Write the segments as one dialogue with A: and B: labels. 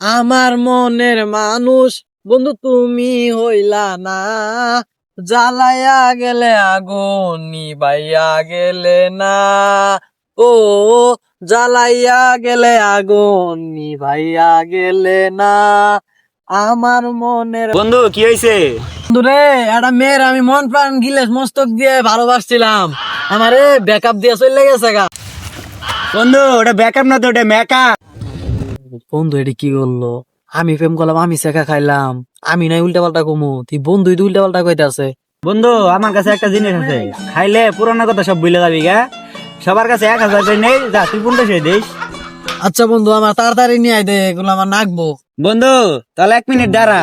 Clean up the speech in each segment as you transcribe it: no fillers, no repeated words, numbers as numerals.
A: আমার মনের মানুষ বন্ধু তুমি হইলা না, জ্বালাইয়া গেলে আগুন নিবাইয়া গেলে না। ও জ্বালাইয়া গেলে আগুন নিবাইয়া গেলে না। আমার মনের
B: বন্ধু কি হয়েছে?
A: বন্ধু রে, একটা মেয়ের আমি মন প্রাণ গিলেস মস্তক দিয়ে ভালোবাসছিলাম, আমারে ব্যাকআপ দিয়ে চলে গেছে গা।
B: বন্ধু ওটা ব্যাকআপ না তো, ওটা মেকআপ।
A: বন্ধু এটি কি করলো? আমি প্রেম করলাম, আমি শেখা খাইলাম, আমি নাই উল্টা পাল্টা কমু, তুই বন্ধুই তো উল্টা পাল্টা কইতাছে।
B: বন্ধু আমার কাছে একটা জিনিস আছে, খাইলে পুরানো কথা সব ভুলে যাবি গা। সবার কাছে 1000 করে নেই, যা তুই 1500 দিস।
A: আচ্ছা বন্ধু, আমার তাড়াতাড়ি নিয়ে আয় দে, এগুলো আমার নাকবো।
B: বন্ধু তাহলে 1 মিনিট দাঁড়া।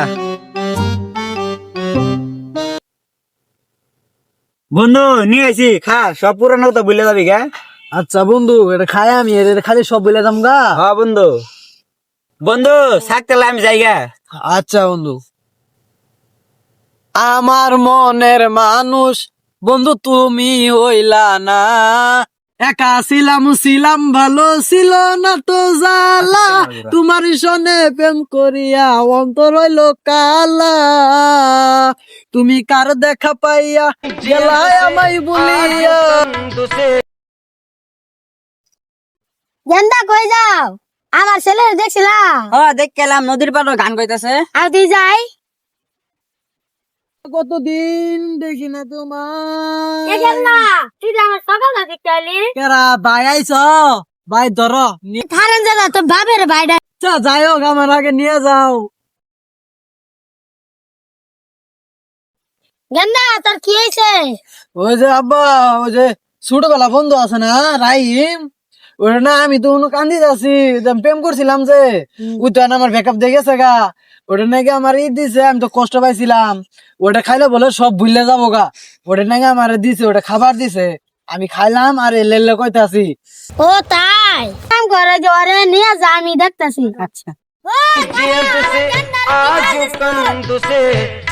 B: বন্ধু নিয়ে আইছি, খা, সব পুরানো কথা ভুলে যাবি গা।
A: আচ্ছা বন্ধু, এটা খাই আমি, এটা খালি সব বলে দাম গা।
B: হ্যাঁ বন্ধু। বন্ধু থাকতে আমি যাই গা।
A: আচ্ছা বন্ধু। আমার মনের মানুষ বন্ধু তুমি হইলা না, একা ছিলাম ছিলাম ভালো ছিল না তো জ্বালা, তোমার সনে প্রেম করিয়া অন্তর হইল কালা, তুমি কার দেখা পাইয়া গেলায় আমায় বলিয়া।
C: গেন্দা কই যাও? আমার ছেলে দেখছিলা?
D: দেখ কেলাম নদীর পাড়ে গান গাইতেছে।
C: আর তুই যাই
A: কতদিন দেখি না তোমার।
C: তুই যে আমার সকাল দেখতে আলি
A: কেরা ভাই আইছ? ভাই ধর,
C: থারেন দাদা তোর বাপের ভাইডা।
A: যাই হোক আমার আগে নিয়ে যাও।
C: গেন্দা তোর কি হয়েছে?
A: ওই যে আব্বা, ওই যে ছোটবেলা বন্ধু আছে না রাহিম, ওটা না আমি তো কোনো কান্দি যাচ্ছি, প্রেম করছিলাম যে ওই তো আমার ব্যাকআপ দিয়ে গেছে গা। ওটা নাকি আমার দিছে, আমি তো কষ্ট পাইছিলাম, ওটা খাইলে বলে সব ভুললে যাবো গা। ওটা নাকি আমার দিছে, ওটা খাবার দিছে, আমি খাইলাম আর এলে কইতাছি।
C: ও তাই কাম করে যে ওরে নিয়ে যা, আমি দেখতাছি।
D: আচ্ছা।
C: ও, গেন্দা, গেন্দা, গেন্দা, গেন্দা, গেন্দা, গেন্দা,